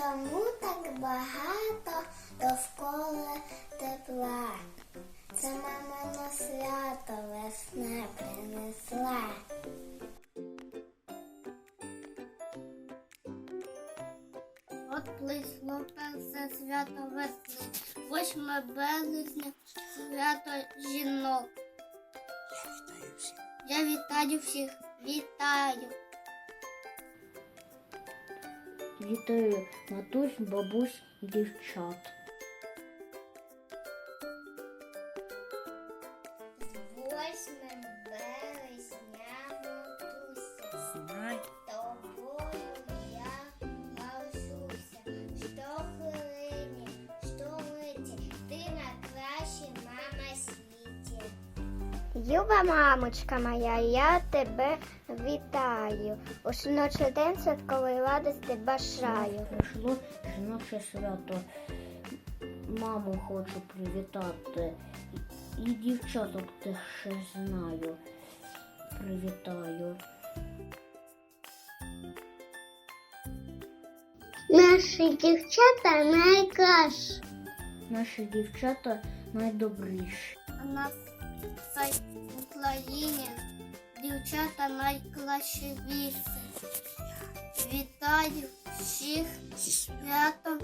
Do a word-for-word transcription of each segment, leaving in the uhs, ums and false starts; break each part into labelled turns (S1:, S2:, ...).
S1: Чому так багато довкола тепла? Це мама на свято весна принесла. От близько перше свято весни, восьме березня, свято жінок. Я вітаю всіх. Вітаю.
S2: Вітаю матусь, бабусь і дівчат.
S1: Восьмим березня матуся,
S2: Знай.
S1: тобою я маршуся. Щохвилині, щомиті, ти найкраща мама світі. Люба мамочка моя, я тебе вітаю. У жіночий день святкової радості бажаю.
S2: Прийшло жіноче свято. Маму хочу привітати. І дівчаток теж ще знаю. Привітаю.
S1: Наші дівчата найкращі.
S2: Наші дівчата найдобріші.
S1: У нас в Україні дівчата найкращі. Вітаю всіх зі святом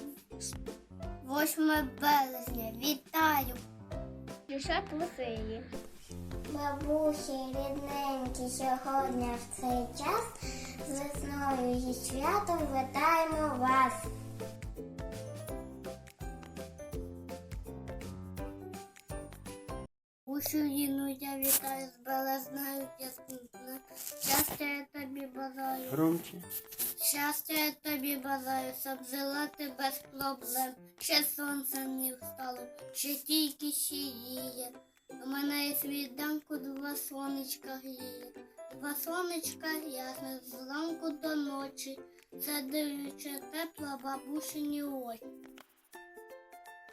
S1: восьме березня. Вітаю! Дівчат веселі. Бабусі, рідненькі, сьогодні в цей час з весною і святом вітаємо вас. Україну я вітаю з березнею ясною. Щастя я тобі бажаю.
S3: Громче.
S1: Щастя я тобі бажаю, щоб жила ти без проблем. Ще сонце не встало, ще тільки сіє. У мене є світанку, два сонечка гріє. Два сонечка ясне зранку до ночі. Це дивляче тепла бабусині очі.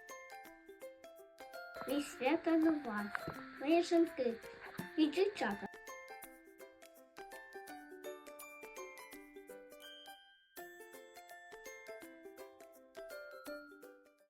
S1: І свято до вас, мої жінки і дівчата.